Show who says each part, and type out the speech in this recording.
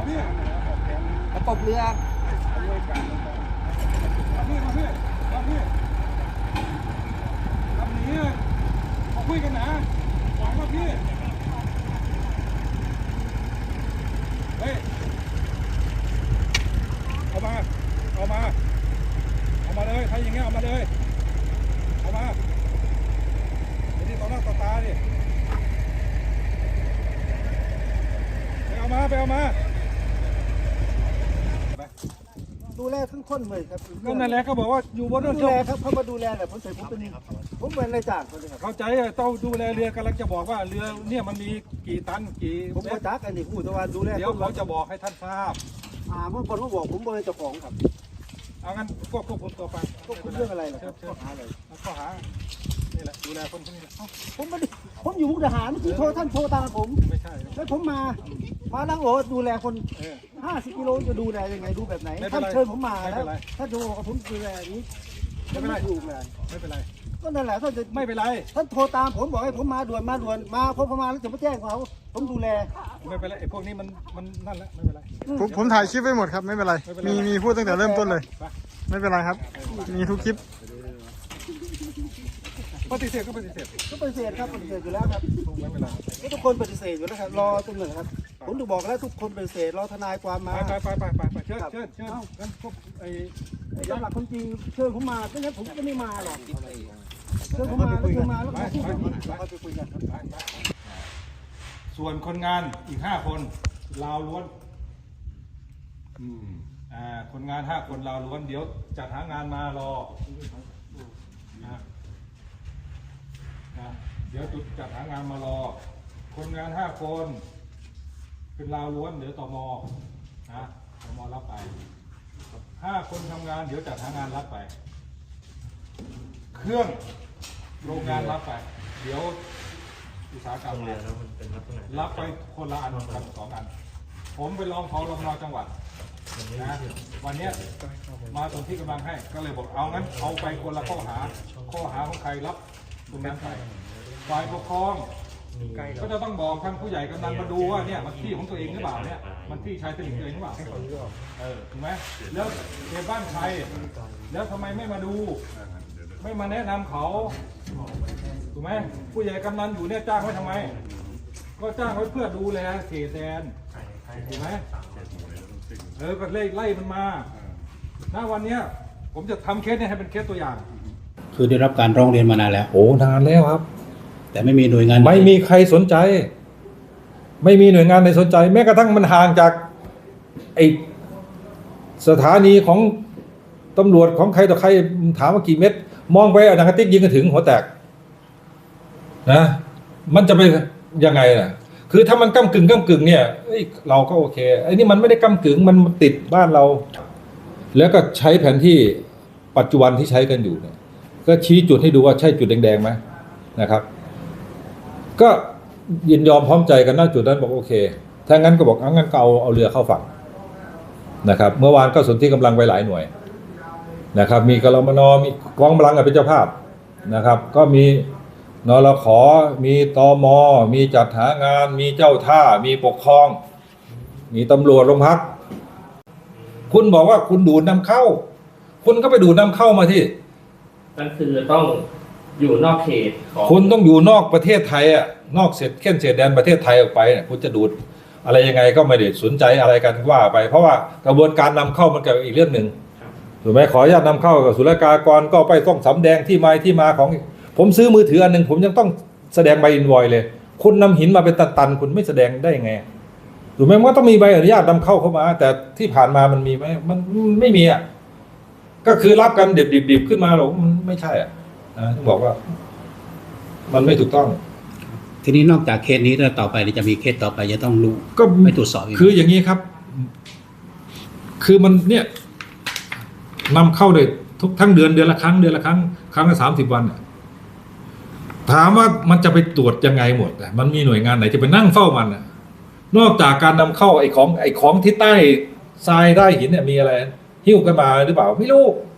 Speaker 1: ประกบเรือ
Speaker 2: ลำนี้มาคุยกันนะหวังว่าพี่เฮ้ยเอามาเลยใครอย่างเงี้ยเอามาเลยเอามาเดี๋ยวนี้ต่อหน้าต่อตาดิไปเอามา
Speaker 1: ดูแลทั้งคนเลยครับ
Speaker 2: ก็นั่นแหละเขาบอกว่าอยู่บนเรือ
Speaker 1: ดูแลครับเขามาดูแลแหละผมเป็นนายจ้างเขาเลยครับ
Speaker 2: เข้าใจต้องดูแลเรือกำลังจะบอกว่าเรือเนี่ยมันมีกี่ตันกี่
Speaker 1: ผมก็จักอันนี้ผู้ตะวันดูแล
Speaker 2: เดี๋ยวเขาจะบอกให้ท่านทราบ
Speaker 1: เมื่อคนเขาบอกผมเป็นเจ้าของครับ
Speaker 2: เอางั้นควบคุมตัวฟัง
Speaker 1: ควบคุมเรื่องอะไรล่ะครับข้อหาอะไร
Speaker 2: ข้อหานี่แหละดูแลคนพวกนี้
Speaker 1: ผมอยู่มุกดาหารที่ท่านโทรตามผม
Speaker 2: ไม่ใช่
Speaker 1: แล้วผมมานั่งโอ้ดูแลคน50 กิโลจะดูแลยังไงดูแบบไหนท่านเชิญผมมาแล้วถ้าดูผมดูแลอย่างนี้
Speaker 2: ไม่เป็นไร
Speaker 1: อยู่เลย
Speaker 2: ไม่เป็นไร
Speaker 1: ก็นั่นแหละท่านจะ
Speaker 2: ไม่เป็นไร
Speaker 1: ท่านโทรตามผมบอกให้ผมมาด่วนมาพอประมาณแล้วจะมาแจ้งเขาผมดูแล
Speaker 2: ไม่เป็นไรไอ้พวกนี้มันนั่นแหละไม่เป็นไร
Speaker 3: ผมถ่ายคลิปไว้หมดครับไม่เป็นไรมีพูดตั้งแต่เริ่มต้นเลยไม่เป็นไรครับมีทุกคลิป
Speaker 2: ปฏิเสธครับ
Speaker 1: ปฏิเสธอยู่แล้วครับ
Speaker 2: ไม่เป็นไร
Speaker 1: ทุกคนปฏิเสธอยู่แล้วครับรอตรงไหนครับผมถูกบอกแล้วทุกคนปฏิเสธรอทนายความมา
Speaker 2: ไปเชิญงั้นพวกไอ้
Speaker 1: ตามหลักคนจริงเชิญผมมาไม่งั้นผมก็ไม่มาหรอกเชิญผมมาแล้วก็ไปคุยกันครับ
Speaker 2: ส่วนคนงานอีก5 คนลาวล้วนคนงาน5 คนลาวล้วนเดี๋ยวจัดหางานมารอเดี๋ยวจุดจัดหางานมารอคนงาน5 คนเป็นลาวล้วนเดี๋ยวตม.รับไป5 คนทำงานเดี๋ยวจัดหางานรับไปเครื่องโรงงานรับไปเดี๋ยวอุตสาหกรรมรับไปคนละอันกัน2 อันผมไปลองขอรมจังหวัดนะวันนี้มาตรงที่กำลังให้ก็เลยบอกเอางั้นเอาไปคนละข้อหาของใครรับตรงนั้นไปฝ่ายปกครองก็จะต้องบอกทางผู้ใหญ่กำนันมาดูว่าเนี่ยมันที่ของตัวเองหรือเปล่าเนี่ยมันที่ชายตลิ่งตัวเองหรือเปล่าถูกไหมแล้วเขตบ้านใครแล้วทำไมไม่มาดูไม่มาแนะนำเขาถูกไหมผู้ใหญ่กำนันอยู่เนี่ยจ้างไว้ทำไมก็จ้างไว้เพื่อดูแลเขตแดนถูกไหมก็ไล่มันมาถ้าวันนี้ผมจะทำเคสนี้ให้เป็นเคสตัวอย่าง
Speaker 4: คือได้รับการร้องเรียนมานานแล้ว
Speaker 2: โอ้นานแล้วครับ
Speaker 4: แต่ไม่มีหน่วยงาน
Speaker 2: ไม่มีใครสนใจไม่มีหน่วยงานไหนสนใจแม้กระทั่งมันห่างจากไอสถานีของตำรวจของใครต่อใครถามว่ากี่เมตรมองไปหนังกระติกยิงกันถึงหัวแตกนะมันจะเป็นยังไงล่ะคือถ้ามันก้ำกึ่งเนี่ยเราก็โอเคไอ้นี่มันไม่ได้ก้ำกึ่งมันติดบ้านเราแล้วก็ใช้แผนที่ปัจจุบันที่ใช้กันอยู่เนี่ยก็ชี้จุดให้ดูว่าใช่จุดแดงๆไหมนะครับก็ยินยอมพร้อมใจกันณจุดนั้นบอกโอเคถ้างั้นก็บอกงั้นก็เอาเรือเข้าฝั่งนะครับเมื่อวานก็สนที่กำลังไปหลายหน่วยนะครับมีกรมน.มีกองกำลังเป็นเจ้าภาพนะครับก็มีนรข.มีตม.มีจัดหางานมีเจ้าท่ามีปกครองมีตำรวจโรงพักคุณบอกว่าคุณดูดนำเข้าคุณก็ไปดูดนำเข้ามาที่
Speaker 5: นั่นคือต้องอยู่นอกเขต
Speaker 2: คุณต้องอยู่นอกประเทศไทยนอกเขตแดนประเทศไทยออกไปคุณจะดูดอะไรยังไงก็ไม่ได้สนใจอะไรกันว่าไปเพราะว่ากระบวนการนำเข้ามันก็อีกเรื่องหนึ่งถูกไหมขออนุญาตนำเข้ากับศุลกากรก็ไปต้องสำแดงที่มาของผมซื้อมือถืออันหนึ่งผมยังต้องแสดงใบอินวอยเลยคุณนำหินมาเป็นตันๆคุณไม่แสดงได้ยังไงถูกไหมมันก็ต้องมีใบอนุญาตนำเข้ามาแต่ที่ผ่านมามันมีไหมมันไม่มีก็คือรับกันดิบขึ้นมาหรอกมันไม่ใช่ต้องบอกว่ามันไม่ถูกต้อง
Speaker 4: ทีนี้นอกจากเคสนี้แล้วต่อไปจะมีเคสต่อไปจะต้องรู้
Speaker 2: ก็
Speaker 4: ไม่ตรวจสอบ
Speaker 2: คืออย่างนี้ครับคือมันเนี่ยนำเข้าเลยทุกทั้งเดือนละครั้งครั้งละ30 วันถามว่ามันจะไปตรวจยังไงหมดมันมีหน่วยงานไหนจะไปนั่งเฝ้ามันนอกจากการนำเข้าไอ้ของที่ใต้ทรายใต้หินเนี่ยมีอะไรหิ้วกันมาหรือเปล่าไม่รู้